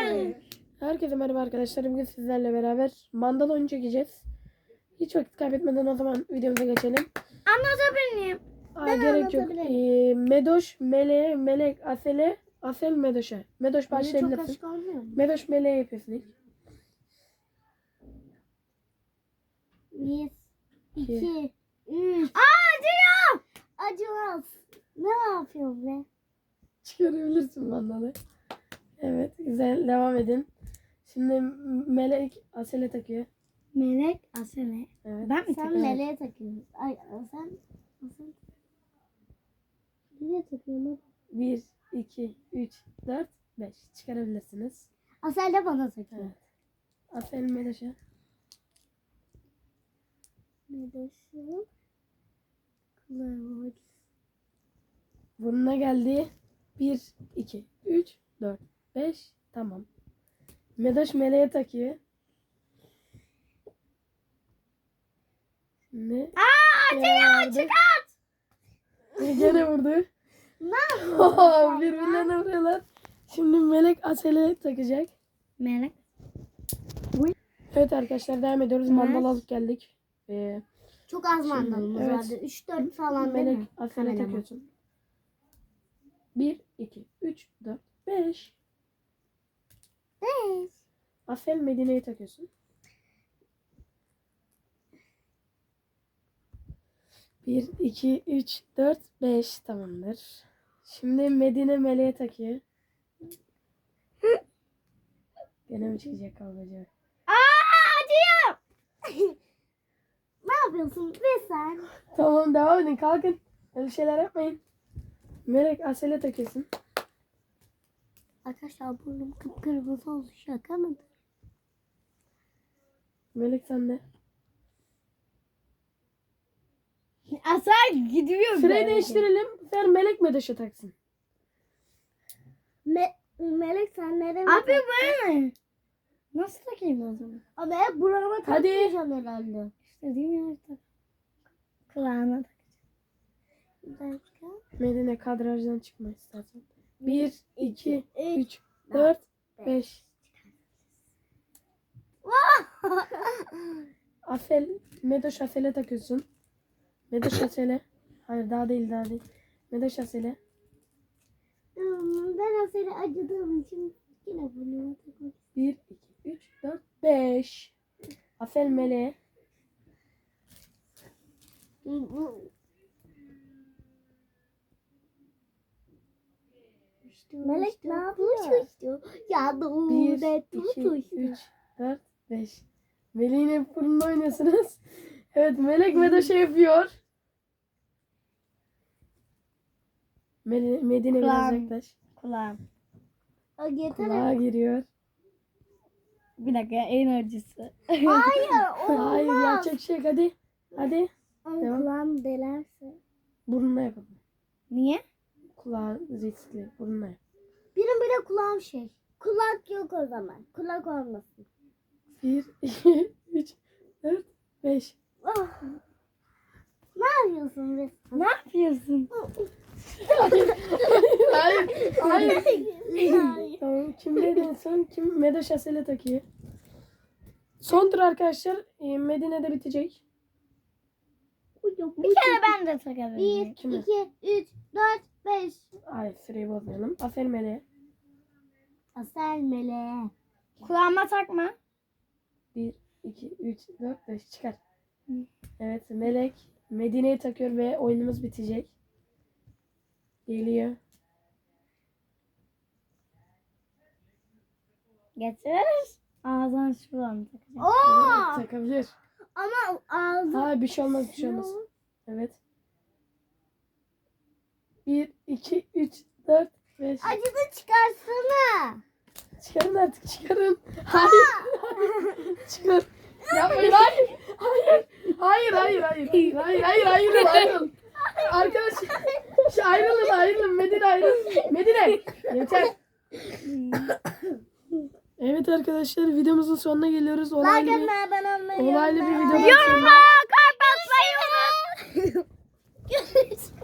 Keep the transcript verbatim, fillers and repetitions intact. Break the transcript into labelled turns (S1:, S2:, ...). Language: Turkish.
S1: Herkese merhaba arkadaşlar. Bugün sizlerle beraber mandal oyunu çekeceğiz. Hiç vakit kaybetmeden o zaman videomuza geçelim.
S2: Anlatabilir miyim?
S1: Aa,
S2: Ben
S1: gerek yok.
S2: anlatabilirim.
S1: Ee, Medoş, Mele, Melek, Asele, Asel, Medoş'a. Medoş başlayabilirsin.
S2: Çok olmuyor mu?
S1: Medoş, Mele'ye yapıyorsun ilk.
S2: Bir,
S1: İki.
S2: iki, üç. Aa, acıyor. Acımaz. Ne yapıyorsun be?
S1: Çıkarabilirsin mandalı. Evet, güzel. Devam edin. Şimdi Melek Asel'e takıyor.
S2: Melek, Asele.
S1: Evet.
S2: Ben mi
S1: Sen
S2: sen meleğe takıyorsun? Ay sen, sen. Nereye takıyorsun?
S1: bir, iki, üç, dört, beş. Çıkarabilirsiniz.
S2: Asel de bana takıyor.
S1: Evet. Asel, Medoş'a.
S2: Medoş'um. Kılavuz.
S1: Burnuna geldi. bir, iki, üç, dört, beş. Tamam. Medoş Meleğe takıyor. Şimdi
S2: Aa, acıyor, çıkart.
S1: Gene vurdu.
S2: Ne
S1: Oh, birbirlerine vuruyorlar. Şimdi Melek Asel'e takacak.
S2: Melek.
S1: Evet arkadaşlar devam ediyoruz.
S2: Evet.
S1: Mandal alıp geldik. Ee,
S2: Çok az mandalımız
S1: evet.
S2: vardı. üç dört falan değil
S1: Melek
S2: mi?
S1: Asel'e
S2: Kameraman.
S1: takıyorsun. bir, iki, üç, dört, beş.
S2: Beş.
S1: Asel Medine'ye takıyorsun. bir, iki, üç, dört, beş. Tamamdır. Şimdi Medine Meleğe takıyor. Gene mi çıkacak kavgacı?
S2: Aa, acıyor. Ne yapıyorsun be sen?
S1: Tamam devam edin. Kalkın. Öyle şeyler yapmayın. Melek Asel'e takıyorsun.
S2: Arkadaşlar burnum kıpkırmızı oldu. Şaka mıdır?
S1: Melek sende.
S2: Asar gidiyor.
S1: Süreyi değiştirelim. Fer Melek Medoş'a taksın.
S2: Me Melek sen nereye Abi böyle mi? Nasıl takayım o zaman? Abi hep burama
S1: Hadi.
S2: takmayacağım herhalde. İstediğim yere tak. Kulağına takacağım.
S1: Medine kadrajdan çıkma istersen. bir, iki,
S2: üç,
S1: üç, dört, beş. Asel, Medoş Asel'e takıyorsun. Medoş Asel'e. Hayır daha değil daha değil. Medoş Asel'e.
S2: Ben Asel'e acıdığım için yine burnuma takmak
S1: bir, iki, üç, dört, beş. Asel Meleğe.
S2: Melek ne yapıyor? Ya dur
S1: bir,
S2: de
S1: iki, üç, dört, beş. Melek'in hep burnunda oynuyorsunuz. Evet Melek Medoş'a yapıyor. Mele- Medine biraz
S2: Kulağım.
S1: yaklaş.
S2: Kulağım. Yeter.
S1: Kulağa giriyor.
S2: Bir dakika en acısı. Hayır
S1: Hayır yapacak bir şey yok hadi. Hadi.
S2: Ama
S1: Devam.
S2: kulağım delerse.
S1: Burnuna yapalım.
S2: Niye?
S1: Kulağı riskli. Burnuna yap.
S2: Benim bile kulağım şey. Kulak yok o zaman. Kulak olmasın.
S1: bir, iki, üç, dört, beş.
S2: Oh. Ne yapıyorsun be? Ne yapıyorsun?
S1: Hayır. Hayır.
S2: Hayır.
S1: Tamam. Kim neydi en son? Kim Medoş Asel'e takıyor. Son tur arkadaşlar. Ee, Medine'de bitecek.
S2: Bir kere ben de takabilirim. Bir,
S1: Kime?
S2: iki, üç, dört, beş.
S1: Hayır süreyi bozmayalım. Asel Meleğe.
S2: Asel meleğe. Kulağıma takma.
S1: bir, iki, üç, dört, beş. Çıkar. Evet Melek Medine'ye takıyor ve oyunumuz bitecek. Geliyor.
S2: Getir. Ağzına şuradan takacağım. Oo!
S1: Takabilir.
S2: Ama ağzı.
S1: Hayır bir şey olmaz bir şey olmaz. Evet. bir, iki, üç, dört, beş.
S2: Acıdı çıkarsana.
S1: Çıkarın artık çıkarın. Hayır. Çıkar. Yapmayın hayır. Hayır. Hayır hayır hayır. Hayır hayır hayır ayrılın ayrılın. Arkadaşlar şu ayrılın ayrılın. Medine ayrılın. Medine. Yeter. Evet arkadaşlar videomuzun sonuna geliyoruz. Olaylı bir, olaylı bir videodan sonra.
S2: Yorumlara kalp atmayı unutmayın.